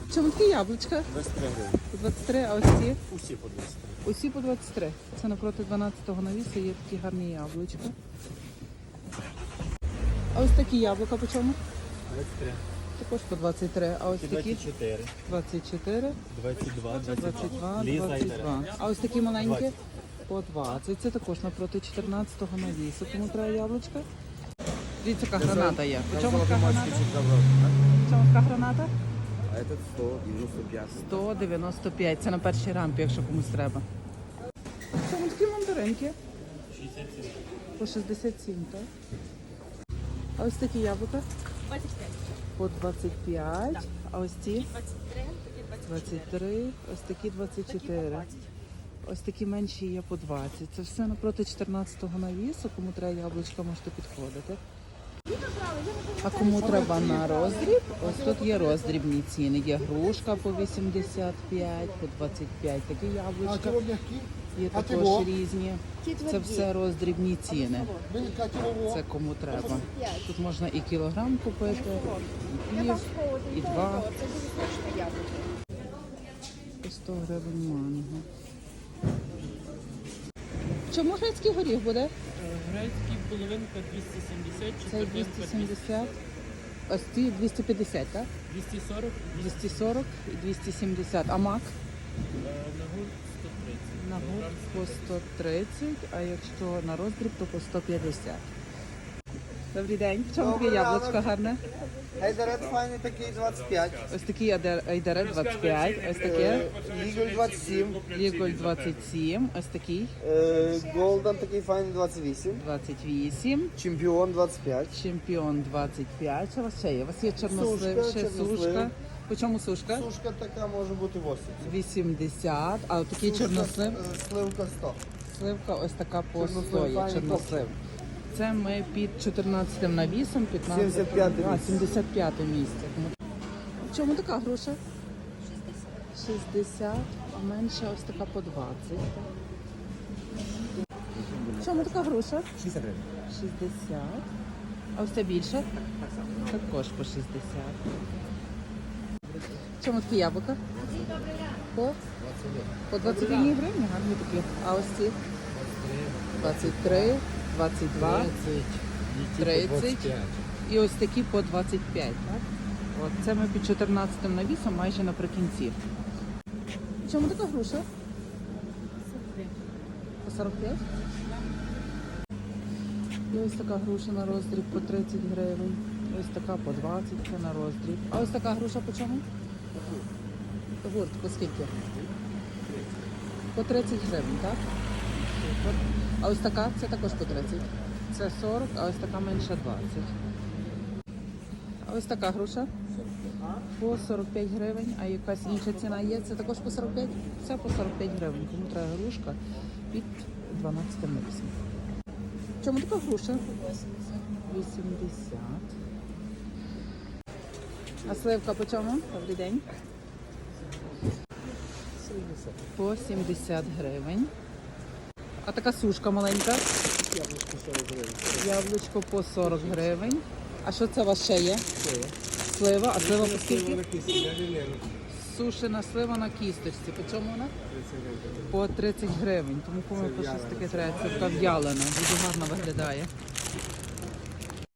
Чому такі яблучка? 23 гривень. По 23, а ось ці? Усі по 23. Усі по 23. Це напроти 12-го навісу є такі гарні яблучка. А ось такі яблука по чому? 23. Також по 23. А ось такі? 24. 24, 22, 22, Ліза і 22. А ось такі маленькі? По 20. Це також напроти 14-го навісу. Кому треба яблучка? Дивіться, яка граната є. По чому така граната? По чому така граната? А этот 195. 195. Це на першій рампі, якщо комусь треба. Чому такі мандаринки? 67. По 67, так? А ось такі яблука? 25. По 25. А ось ці? 23, такі 23. Ось такі 24. Ось такі менші є по 20. Це все напроти 14-го навісу. Кому треба яблучка, можете підходити. А кому треба на роздріб, ось тут є роздрібні ціни. Є грушка по 85, по 25. Такі яблучка. Є також різні. Це все роздрібні ціни. Це кому треба. Тут можна і кілограм купити, і пів, і два. Це дуже смачне яблуко. По 100 гривень манго. Чому грецький горіх буде? Грецький половинка 270, Це четвертинка 270. Ось ці 250, так? 240, 240 і 270. А мак? на гурт 130. На гурт по 130, а якщо на роздріб, то по 150. Добрий день. В чому таке яблучко гарне? Айдарет файний такий 25. Ось такий айдарет 25, ось таке Ліголь 27. ліголь 27, ось такий Голден такий файний 28. 28, Чемпіон 25. чемпіон 25. Що у вас ще є? У вас є чорнослив, Сушка, ще чорнослив. сушка. По чому сушка? Сушка така може бути 80. 80, а такий чорнослив? Сливка 100. Сливка ось така по 100 Чорнослив, є, файний чорнослив. Це ми під 14 навісом, 15, 75 а, місце. 75 місце. В чому така груша? 60, а менша ось така по 20. В чому така груша? 60 гривень. 60. А ось це більше? Також по 60. В чому такі яблука? По 21 гривні, гарні такі. А ось ці? 23, 22, 30 і ось такі по 25. Так? От, це ми під 14 навісом майже наприкінці. В чому така груша? По 45? І ось така груша на роздріб по 30 гривень. Ось така по 20, це на роздріб. А ось така груша по чому? Гурт, по скільки? По 30 гривень, так? Супер. А ось така, це також по 30. Це 40, а ось така менша 20. А ось така груша? По 45 гривень. А якась інша ціна є? Це також по 45? Це по 45 гривень. Кому треба грушка під 12 навісом. Чому така груша? 80. А сливка по чому? Добрий день. По 70 гривень. А така сушка маленька? Яблучко по 40 гривень. А що це у вас ще є? Слива. А слива по скільки? Сушена слива на кісточці. По чому вона? По 30 гривень. Тому кому по щось таке треба. Це така в'ялена. Дуже гарно виглядає.